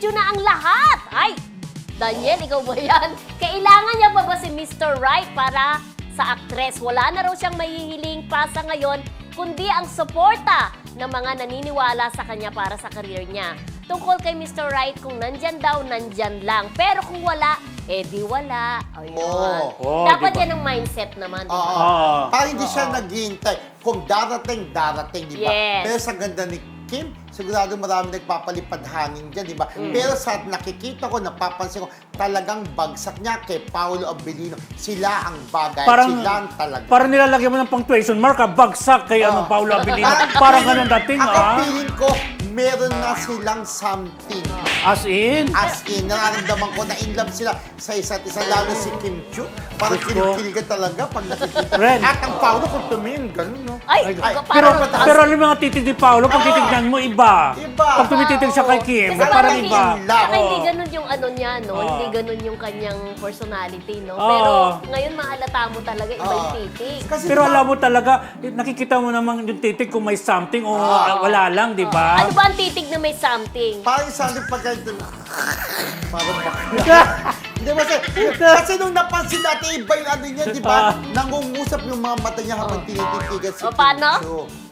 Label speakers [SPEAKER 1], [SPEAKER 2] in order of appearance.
[SPEAKER 1] video na ang lahat. Ay, Daniel, ikaw ba yan? Kailangan niya pa ba si Mr. Right para sa aktres? Wala na raw siyang mahihiling pa sa ngayon, kundi ang suporta ng mga naniniwala sa kanya para sa career niya. Tungkol kay Mr. Right, kung nandyan daw, nandyan lang. Pero kung wala, di wala. Ayun. Dapat
[SPEAKER 2] diba?
[SPEAKER 1] yan ang mindset naman. Diba?
[SPEAKER 3] Parang hindi siya naghihintay. Kung darating, di ba?
[SPEAKER 1] Yes.
[SPEAKER 3] Pero sa ganda ni Kim, sigurado marami nagpapalipad-hangin dyan, di ba? Pero sa nakikita ko, napapansin ko, talagang bagsak niya kay Paolo Abilino. Sila ang bagay. Sila ang talaga.
[SPEAKER 2] Parang nilalagyan mo ng punctuation mark, bagsak kay Paolo Abilino. Parang ganun dating,
[SPEAKER 3] Ako feeling ko, meron na silang something.
[SPEAKER 2] As in?
[SPEAKER 3] As in, nararamdaman ko na in love sila sa isa't isa, lalo si Kim Chiu. Parang kilig-kiligan talaga pag nakikita.
[SPEAKER 2] Ren.
[SPEAKER 3] At ang Paolo kung tumingin, ganun, no?
[SPEAKER 1] Ay,
[SPEAKER 2] Pero alam mo mga titig ni Paolo, pag titignan mo, iba.
[SPEAKER 3] Iba.
[SPEAKER 2] Pag tumititig siya kay Kim,
[SPEAKER 1] Kasi
[SPEAKER 2] parang
[SPEAKER 1] hindi,
[SPEAKER 2] iba.
[SPEAKER 1] Saka hindi ganun yung ano niya, no? Hindi ganun yung kanyang personality, no? Pero ngayon mahalata mo talaga iba yung titig.
[SPEAKER 3] Kasi
[SPEAKER 2] Pero alam mo talaga, nakikita mo naman yung titig kung may something o wala lang, di ba?
[SPEAKER 1] Ano ba ang titig na may something?
[SPEAKER 3] parang isang pagka parang bakla. Hindi ba kasi nung napansin natin, iba yung ano niya, di ba? Nangungusap yung mga mata niya habang tinititigan si
[SPEAKER 1] O, paano?
[SPEAKER 3] Kim Chiu.